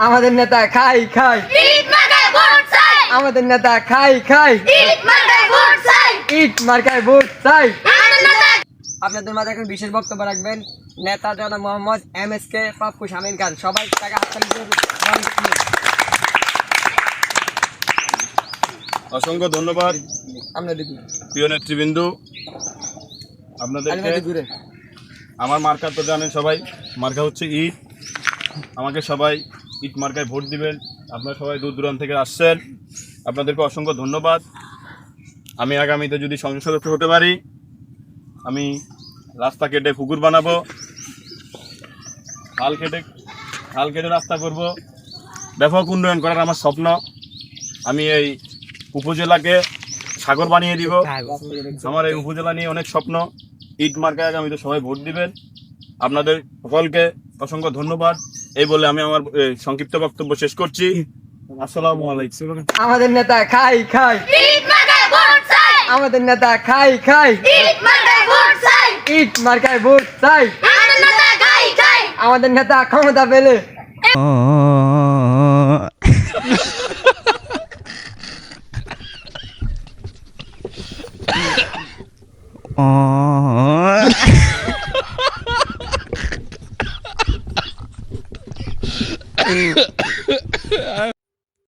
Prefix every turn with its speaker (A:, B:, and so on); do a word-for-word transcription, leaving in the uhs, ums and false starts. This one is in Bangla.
A: আমাদের নেতা খাই খাই
B: ইট মার্কায় ভোট চাই
A: আমাদের নেতা খাই খাই
B: ইট মার্কায় ভোট চাই
A: ইট মার্কায় ভোট চাই।
B: আমাদের নেতা
A: আপনাদের মাঝে এখন বিশেষ বক্তব্য রাখবেন নেতা জনাব Mohammad M S K Pappu Shamim Khan. সবাই তাকে হাততালি দিয়ে বরণ করুন।
C: অসংখ্য ধন্যবাদ
A: আমরা দেখুন
C: প্রিয় নেতৃবৃন্দু আপনাদেরকে।
A: ঘুরে
C: আমার মার্কা তো জানেন সবাই, মার্কা হচ্ছে ইট। আমাকে সবাই ইট মার্কায় ভোট দিবেন। আপনারা সবাই দূর দূরান্ত থেকে আসছেন, আপনাদেরকে অসংখ্য ধন্যবাদ। আমি আগামীতে যদি সংসদ সদস্য হতে পারি, আমি রাস্তা কেটে পুকুর বানাবো, খাল কেটে খাল কেটে রাস্তা করব, ব্যাপক উন্নয়ন করার আমার স্বপ্ন। আমি এই উপজেলাকে সাগর বানিয়ে দিব। আমার এই উপজেলা নিয়ে অনেক স্বপ্ন। ইট মার্কায় আগামীতে সবাই ভোট দিবেন। আপনাদের সকলকে অসংখ্য ধন্যবাদ। এই বলে আমি আমার এ, সংক্ষিপ্ত বক্তব্য শেষ করছি। আসসালামু আলাইকুম।
A: আমাদের নেতা খাই খাই
B: ইট মার্কায় ভোট চাই
A: আমাদের নেতা খাই খাই
B: ইট মার্কায় ভোট চাই
A: ইট মার্কায় ভোট চাই।
B: আমাদের নেতা খাই খাই
A: আমাদের নেতা ক্ষমতা পেলে